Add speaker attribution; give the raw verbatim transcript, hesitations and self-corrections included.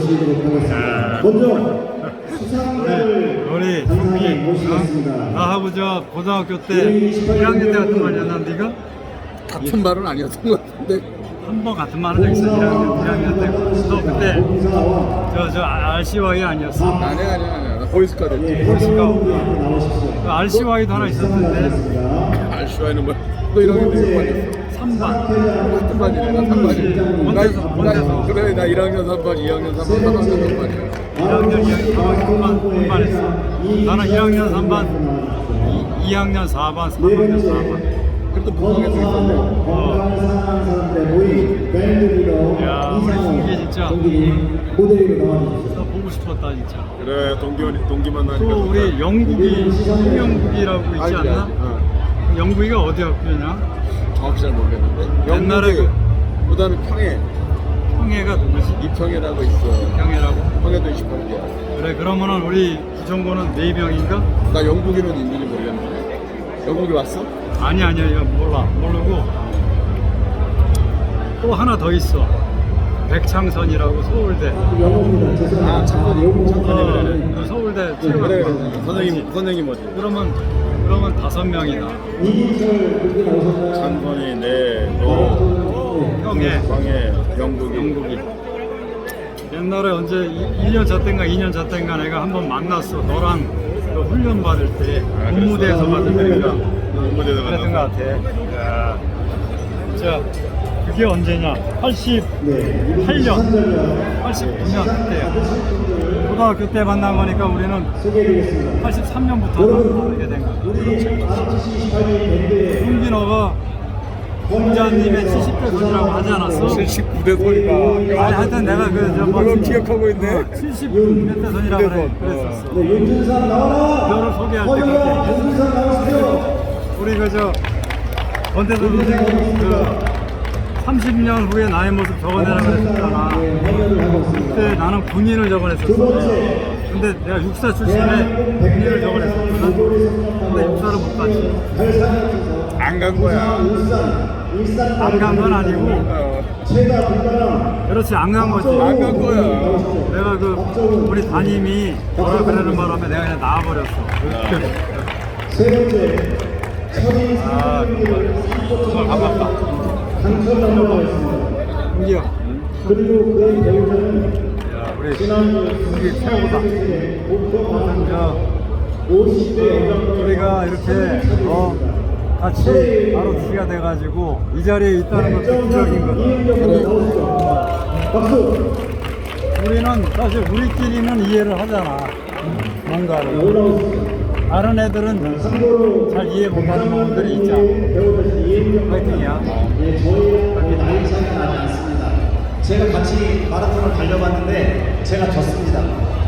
Speaker 1: 모시도록 하겠습니다. 먼저 수상자를
Speaker 2: 우리
Speaker 1: 감사하게
Speaker 2: 동기,
Speaker 1: 모시겠습니다.
Speaker 2: 어? 나하고 저 고등학교 때 일 학년 때 같은 말이었나 네가?
Speaker 3: 같은 말은 아니었던 것 같은데.
Speaker 2: 한 번 같은 말을 적 있어. 일 학년, 일 학년 때. 너 그때 저, 저 알씨와이 아니었어?
Speaker 3: 아니야 아니야 아니야. 나 보이스카드.
Speaker 2: 그 알씨와이도 하나 있었는데
Speaker 3: 알슈아이는 뭐야? 너 일 학년 때 몇 반이었어?
Speaker 2: 삼 반.
Speaker 3: 같은 반이네. 나 삼 반이야.
Speaker 2: 원대서, 원대서.
Speaker 3: 그래 나 일 학년 삼 반, 이 학년 삼 반, 삼 학년 삼 반이야.
Speaker 2: 일 학년, 이 학년, 삼 반, 삼 반했어. 나는 일 학년 삼 반, 이 학년 사 반, 삼 학년 사 반.
Speaker 3: 그래도 무방에서 있었네.
Speaker 1: 건강을 사랑하는 사람들 모임 밴드리로
Speaker 2: 야, 우리 동기 진짜.
Speaker 1: 모델로 나와주셨습니다.
Speaker 2: 나 보고 싶었다 진짜.
Speaker 3: 그래 동기 동기 만나니까.
Speaker 2: 또 우리 영국이 홍영국이라고 있지
Speaker 3: 알지,
Speaker 2: 않나?
Speaker 3: 알지. 어.
Speaker 2: 영국이가 어디 학교냐?
Speaker 3: 정확히 잘 모르겠는데.
Speaker 2: 옛날에 그
Speaker 3: 그다음에 평해
Speaker 2: 평해가 누구지?
Speaker 3: 이평해라고 있어.
Speaker 2: 평해라고?
Speaker 3: 평해도 이십팔 개야.
Speaker 2: 그래 그러면은 우리 기종고는 네 명인가?
Speaker 3: 나 영국이면 있는지 모르겠는데. 영국에 왔어?
Speaker 2: 아니 아니야 이거 몰라 모르고 또 하나 더 있어. 백창선이라고 서울대.
Speaker 1: 영어입니다. 죄송합니다.
Speaker 3: 아 창건이 창건이 그래.
Speaker 2: 어, 서울대
Speaker 3: 그래
Speaker 2: 최고.
Speaker 3: 그래. 선생님 선생님 어디?
Speaker 2: 그러면 그러면 다섯 명이다.
Speaker 1: 이기철 분이 나오셨나요?
Speaker 3: 창건이 네너
Speaker 2: 평해
Speaker 3: 광해 영국이.
Speaker 2: 영국이. 옛날에 언제 일 년 차 때인가 이 년 차 때인가 내가 한번 만났어. 너랑 그 훈련 받을 때
Speaker 3: 아,
Speaker 2: 군무대에서 받을 때인가
Speaker 3: 군무대에서
Speaker 2: 그랬던 것 같아. 야. 자 그게 언제냐? 팔십팔 년, 팔십구 년 그때야. 고등학교 때 만난 거니까 우리는
Speaker 1: 소개해드리겠습니다.
Speaker 2: 팔십삼 년부터 만나게 된 거야.
Speaker 1: 우리 아르티씨 이십팔 년 밴드의
Speaker 2: 홍기 너가 공자님의 칠십 대 손이라고 하지 않았어?
Speaker 3: 칠십구 대 소리가.
Speaker 2: 아니 하여튼 내가 그저 뭐
Speaker 3: 그걸 기억하고 있네.
Speaker 2: 칠십 몇 대 손이라고 그래, 그랬었어.
Speaker 1: 네, 윤준상 나와라!
Speaker 2: 너를 소개할 때
Speaker 1: 권영아,
Speaker 2: 그렇게
Speaker 1: 윤준상 나오십시오!
Speaker 2: 우리 그저 권대선 선생님 그 삼십 년 후에 나의 모습 적어내라 그랬었잖아.
Speaker 1: 행렬을 하고 있습니다.
Speaker 2: 그때 나는 군인을 적어냈었어.
Speaker 1: 두 번째.
Speaker 2: 근데 내가 육사 출신에 군인을 적어냈었거든. 근데 육사를 못 갔지.
Speaker 3: 안 간 거야.
Speaker 2: 안 간 건 아니고
Speaker 3: 어.
Speaker 1: 최다 불가능
Speaker 2: 그렇지 안 간 거지.
Speaker 3: 안 간 거야.
Speaker 2: 내가 그 우리 담임이 뭐라 그러는 바람에 내가 그냥 나와버렸어.
Speaker 1: 세 번째 철인
Speaker 2: 아 정말 아깝다.
Speaker 1: 강철남으로 하겠습니다.
Speaker 2: 홍기야.
Speaker 1: 그리고 그의 배우자는
Speaker 2: 야 우리
Speaker 1: 지난주
Speaker 2: 홍기 최고다.
Speaker 1: 목표 방향
Speaker 2: 자
Speaker 1: 오십 대
Speaker 2: 우리가 이렇게 어 같이 바로 주시가 돼가지고 이 자리에 있다는 것도 기적인 거다.
Speaker 1: 박수!
Speaker 2: 우리는 사실 우리끼리는 이해를 하잖아. 뭔가를.
Speaker 1: 올라오십시오.
Speaker 2: 다른 애들은
Speaker 1: 참고로
Speaker 2: 잘 이해 못하는 부분들이 있죠.
Speaker 1: 배우자신 이혜경
Speaker 2: 파이팅이야.
Speaker 1: 예, 저희랑 그렇게 나이 차이가 나지 않습니다. 제가 같이 마라톤을 달려봤는데 제가 졌습니다.